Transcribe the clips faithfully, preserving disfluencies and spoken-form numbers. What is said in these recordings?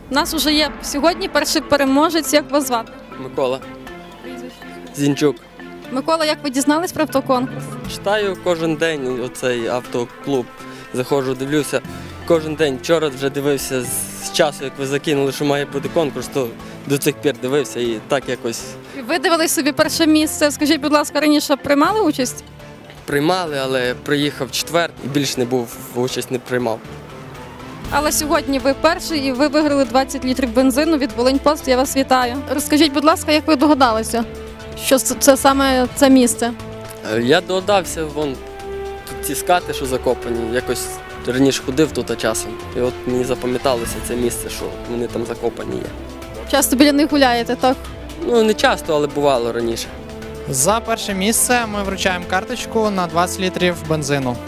У нас вже є сьогодні перший переможець. Як вас звати? Микола. Зінчук. Микола, як ви дізнались про автоконкурс? Читаю кожен день оцей автоклуб. Заходжу, дивлюся. Кожен день. Вчора вже дивився з часу, як ви закинули, що має бути конкурс, то до цих пір дивився і так якось Ви дивились собі перше місце. Скажіть, будь ласка, раніше приймали участь? приймали, але приїхав четвер і більш не був, участь не приймав. Але сьогодні ви перший і ви виграли двадцять літрів бензину від Волиньпост. Я вас вітаю. Розкажіть, будь ласка, як ви догадалися, що це, це саме це місце? Е, Я догадався, вон тут ці скати, що закопані, якось раніше ходив тут часом. І от мені запам'яталося це місце, що вони там закопані є. Часто біля них гуляєте, так? Ну не часто, але бувало раніше. За перше місце ми вручаємо карточку на двадцять літрів бензину.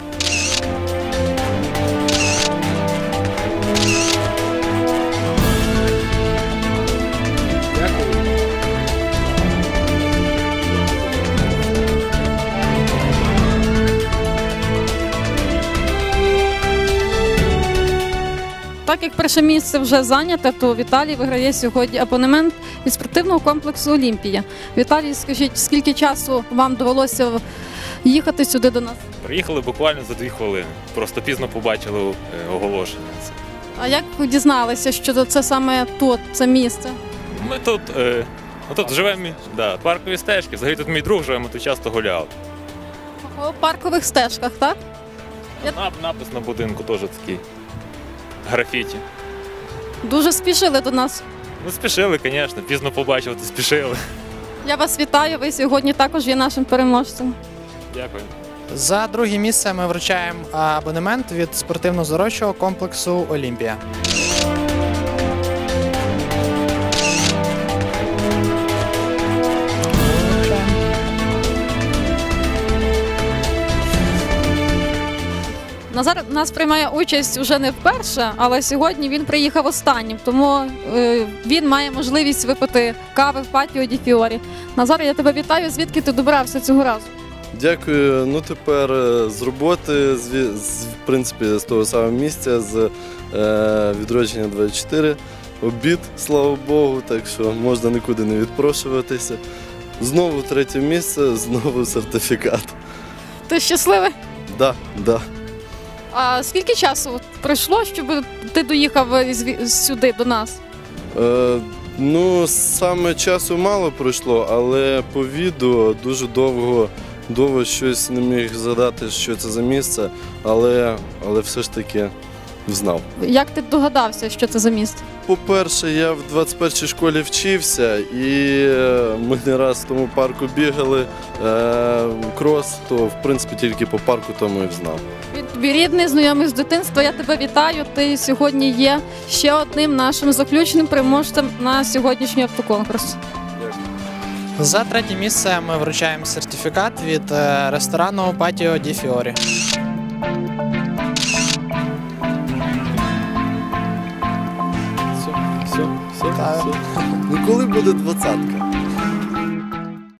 Так як перше місце вже зайняте, то Віталій виграє сьогодні абонемент від спортивного комплексу «Олімпія». Віталій, скажіть, скільки часу вам довелося їхати сюди до нас? Приїхали буквально за дві хвилини. Просто пізно побачили е, оголошення. А як ви дізналися, що це саме тут, це місце? Ми тут, е, ну, тут живемо, да, паркові стежки. Взагалі тут мій друг живе, ми тут часто гуляли. По паркових стежках, так? Я- Нап- Напис на будинку теж такий. Графіті. Дуже спішили до нас. Ну, спішили, звісно, пізно побачили, то спішили. Я вас вітаю, ви сьогодні також є нашим переможцем. Дякую. За друге місце ми вручаємо абонемент від спортивно-здоровчого комплексу «Олімпія». Назар у нас приймає участь вже не вперше, але сьогодні він приїхав останнім, тому е, він має можливість випити кави в патіо Ді Фіорі. Назар, я тебе вітаю. Звідки ти добрався цього разу? Дякую. Ну тепер е, з роботи, з, ві- з, в принципі, з того самого місця, з е, відродження двадцять чотири. Обід, слава Богу, так що можна нікуди не відпрошуватися. Знову третє місце, знову сертифікат. Ти щасливий? Да, да. А скільки часу от пройшло, щоб ти доїхав із- сюди до нас? Е, ну, саме часу мало пройшло, але по відео дуже довго, довго щось не міг згадати, що це за місце, але, але все ж таки знав. Як ти догадався, що це за місце? По-перше, я в двадцять першій школі вчився, і е, ми не раз в тому парку бігали е, крос, то в принципі тільки по парку тому і знав. Він тобі рідний, знайомий з дитинства. Я тебе вітаю. Ти сьогодні є ще одним нашим заключним переможцем на сьогоднішній автоконкурс. За третє місце ми вручаємо сертифікат від е, ресторану «Патіо Ді Фіорі». Все, все, все, Так. все. Ну коли буде двадцятка?